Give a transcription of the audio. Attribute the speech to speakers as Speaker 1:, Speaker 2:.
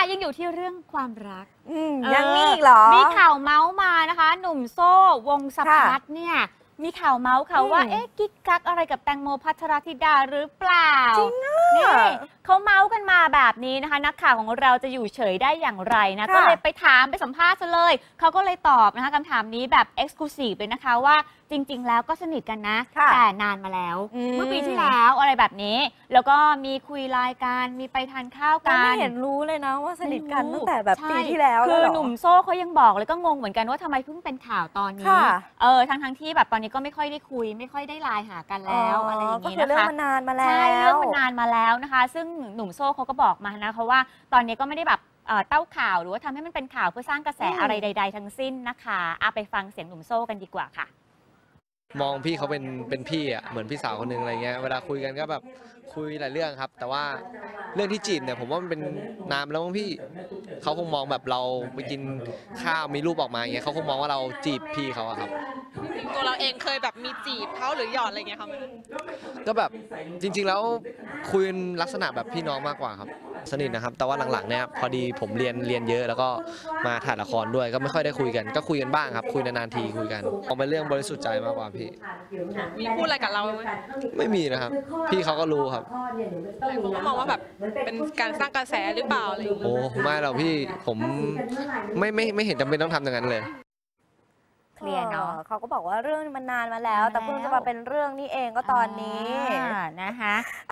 Speaker 1: ยังอยู่ที่เรื่องความรัก
Speaker 2: ยังมีอีกเหรอ
Speaker 1: มีข่าวเมาส์มานะคะหนุ่มโซ่วงศ์สภัทรเนี่ยมีข่าวเมาส์ค่ะว่ากิ๊กกักอะไรกับแตงโมภัทรธิดาหรือเปล่า
Speaker 2: จริง
Speaker 1: นี่เขาเมาส์กันมาแบบนี้นะคะนักข่าวของเราจะอยู่เฉยได้อย่างไรนะก็เลยไปถามไปสัมภาษณ์ซะเลยเขาก็เลยตอบนะคะคำถามนี้แบบเอ็กซ์คลูซีฟเลยนะคะว่าจริงๆแล้วก็สนิทกันนะแต่นานมาแล้วเมื่อปีที่แล้วอะไรแบบนี้แล้วก็มีคุยไลน์กันมีไปทานข้าวกัน
Speaker 2: ไม่เห็นรู้เลยนะว่าสนิทกันตั้งแต่แบบปีที่แล้ว
Speaker 1: คือหนุ่มโซ่เขายังบอกเลยก็งงเหมือนกันว่าทำไมเพิ่งเป็นข่าวตอนนี้ทั้งที่แบบตอนนี้ก็ไม่ค่อยได้คุยไม่ค่อยได้ไลน์หากันแล้วอะไรอย่างนี้นะคะ
Speaker 2: เรื่องมันนานมาแล้ว
Speaker 1: ใช่เรื่องมันนานมาแล้วนะคะซึ่งหนุ่มโซ่เขาก็บอกมานะเขาว่าตอนนี้ก็ไม่ได้แบบเต้าข่าวหรือว่าทำให้มันเป็นข่าวเพื่อสร้างกระแสอะไรใดๆทั้งสิ้นนะคะไปฟังเสียงหนุ่มโซ่กันดีกว่าค่ะ
Speaker 3: มองพี่เขาเป็นพี่อ่ะเหมือนพี่สาวคนนึงอะไรเงี้ยเวลาคุยกันก็แบบคุยหลายเรื่องครับแต่ว่าเรื่องที่จีบเนี่ยผมว่ามันเป็นนานแล้วมั้งพี่เขาคงมองแบบเราไปกินข้าวมีรูปออกมาอย่างเงี้ยเขาคงมองว่าเราจีบพี่เขาอะครับ
Speaker 4: ตัวเราเองเคยแบบมีจีบเขาหรือหยอดอะไรเงี้ยครับ
Speaker 3: ก็แบบจริงๆแล้วคุยลักษณะแบบพี่น้องมากกว่าครับสนิทนะครับแต่ว่าหลังๆเนี่ยพอดีผมเรียนเยอะแล้วก็มาถ่ายละครด้วยก็ไม่ค่อยได้คุยกันก็คุยกันบ้างครับคุยนานๆทีคุยกันเอาเป็นเรื่องบริสุทธิ์ใจมากกว่าพี่
Speaker 4: มีพูดอะไรกับเรา
Speaker 3: ไม่มีนะครับพี่เขาก็รู้ครับ
Speaker 4: แต่ผมก็มองว่าแบบเป็นการสร้างกระแสหรือเปล่าอะไรอย่างเงี้ย
Speaker 3: โอ้ไม่หรอกพี่ผมไม่เห็นจำเป็นต้องทำอย่างนั้นเลย
Speaker 1: เคลียร์เนาะ
Speaker 2: เขาก็บอกว่าเรื่องมันนานมาแล้วแต่เพิ่งจะมาเป็นเรื่องนี้เองก็ตอนนี้
Speaker 1: นะคะ